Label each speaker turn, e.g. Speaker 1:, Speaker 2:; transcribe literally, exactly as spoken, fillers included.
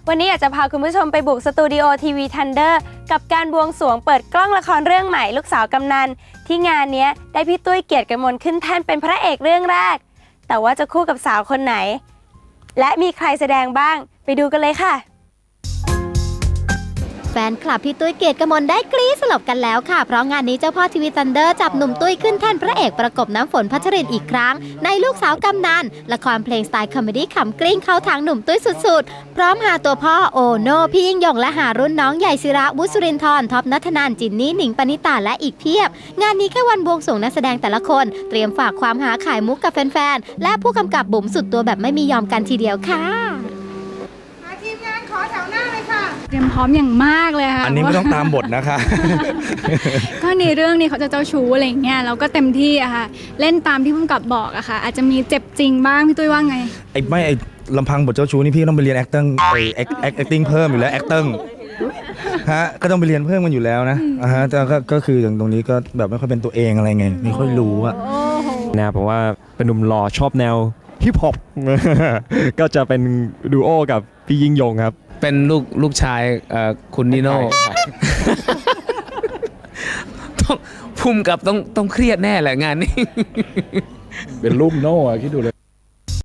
Speaker 1: วันนี้อยากจะพาคุณผู้ชมไปบุกสตูดิโอทีวีทันเดอร์กับการบวงสรวงเปิดกล้องละครเรื่องใหม่ลูกสาวกำนันที่งานนี้ได้พี่ตุ้ยเกียรติกมลขึ้นแท่นเป็นพระเอกเรื่องแรกแต่ว่าจะคู่กับสาวคนไหนและมีใครแสดงบ้างไปดูกันเลยค่ะ
Speaker 2: แฟนคลับพี่ตุ้ยเกียรติกมลได้กรี๊ดสลบกันแล้วค่ะเพราะงานนี้เจ้าพ่อทีวีทันเดอร์จับหนุ่มตุ้ยขึ้นแท่นพระเอกประกบน้ำฝนพัชรินอีกครั้งในลูกสาวกำนันละครเพลงสไตล์คอมเมดี้ขำกลิ้งเข้าทางหนุ่มตุ้ยสุดๆพร้อมหาตัวพ่อโอโน่พี่ยิ่งยงและหารุ่นน้องใหญ่ศิระวุฒิสุรินทร์ท็อปนัทนันจินนี่หนิงปณิตาและอีกเพียบงานนี้แค่วันบวงสรวงนักแสดงแต่ละคนเตรียมฝากความหาขายมุกกับแฟนๆและผู้กำกับบุ๋มสุดตัวแบบไม่มียอมกันทีเดียวค่ะ
Speaker 3: ทีมงานขอแถวหน้าเลยค่ะ
Speaker 4: เตรียมพร้อมอย่างมากเลยค่ะ
Speaker 5: อันนี้ไม่ต้องตามบทนะคะ
Speaker 4: ก็ในเรื่องนี้เขาจะเจ้าชู้อะไรอย่างเงี้ยเราก็เต็มที่อะค่ะเล่นตามที่ผู้กำกับบอกอะค่ะอาจจะมีเจ็บจริงบ้างพี่ตุ้ยว่าไง
Speaker 5: ไอ้ไม่ไอ้ลำพังบทเจ้าชู้นี่พี่ต้องไปเรียน acting ไอ้ acting เพิ่มอยู่แล้ว acting ฮะก็ต้องไปเรียนเพิ่มกันอยู่แล้วนะอ่าฮะแต่ก็ก็คืออย่างตรงนี้ก็แบบไม่ค่อยเป็นตัวเองอะไรไงไม่ค่อยรู้อะ
Speaker 6: แนวผมว่าเป็นหนุ่มหล่อชอบแนวฮิปฮอป ก็จะเป็นดูโอกับพี่ยิ่งยงครับ
Speaker 7: เป็นลูกลูกชายคุณนิโน่ต้องภูมิกับต้องต้องเครียดแน่แหละงานนี้
Speaker 8: เป็นลูกโน่คิดดูเลย